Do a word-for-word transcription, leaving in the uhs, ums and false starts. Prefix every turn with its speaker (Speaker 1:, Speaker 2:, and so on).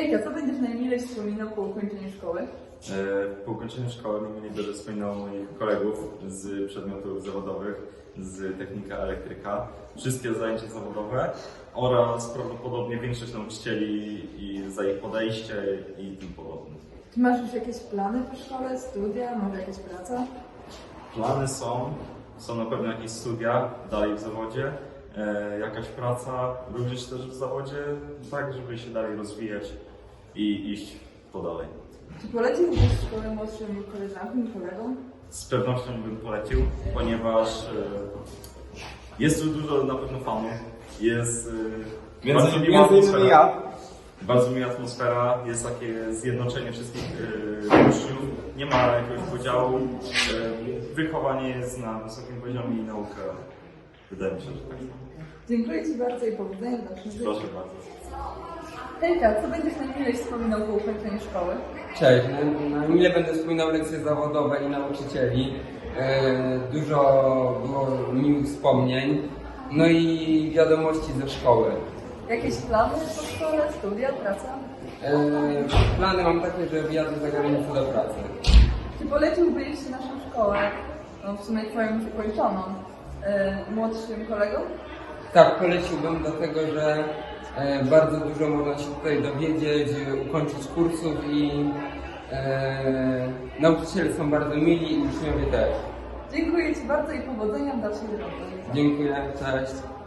Speaker 1: Hejka, co będziesz najmilej wspominał po ukończeniu szkoły?
Speaker 2: E, Po ukończeniu szkoły najmniej będę wspominał moich kolegów z przedmiotów zawodowych, z technika elektryka, wszystkie zajęcia zawodowe oraz prawdopodobnie większość nauczycieli i za ich podejście i tym podobne.
Speaker 1: Czy masz już jakieś plany po szkole, studia, może jakaś praca?
Speaker 2: Plany są, są na pewno jakieś studia dalej w zawodzie, e, jakaś praca również też w zawodzie, tak żeby się dalej rozwijać i iść po dalej.
Speaker 1: Czy poleciłbyś szkołę młodszym koleżankom i kolegom?
Speaker 2: Z pewnością bym polecił, ponieważ e, jest tu dużo na pewno fanów, jest e,
Speaker 3: Między,
Speaker 2: bardzo miła
Speaker 3: między innymi
Speaker 2: atmosfera,
Speaker 3: ja.
Speaker 2: bardzo miła atmosfera, jest takie zjednoczenie wszystkich e, uczniów, nie ma jakiegoś podziału, e, wychowanie jest na wysokim poziomie i nauka, wydaje mi się, że tak.
Speaker 1: Dziękuję Ci bardzo i powodzenia w dalszym życiu.
Speaker 2: Proszę bardzo.
Speaker 1: Hejka, co będziesz najmilej wspominał po ukończeniu szkoły?
Speaker 3: Cześć, na, na mile będę wspominał lekcje zawodowe i nauczycieli. E, dużo było miłych wspomnień, no i wiadomości ze szkoły.
Speaker 1: Jakieś plany po szkole, studia, praca?
Speaker 3: E, plany mam takie, że wyjadę za granicę do pracy.
Speaker 1: Czy poleciłbyś naszą szkołę, no w sumie Twoją już ukończoną, yy, młodszym kolegom?
Speaker 3: Tak, poleciłbym dlatego, że e, bardzo dużo można się tutaj dowiedzieć, ukończyć kursów i e, nauczyciele są bardzo mili i uczniowie też.
Speaker 1: Dziękuję Ci bardzo i powodzenia w dalszej drodze.
Speaker 3: Dziękuję, cześć.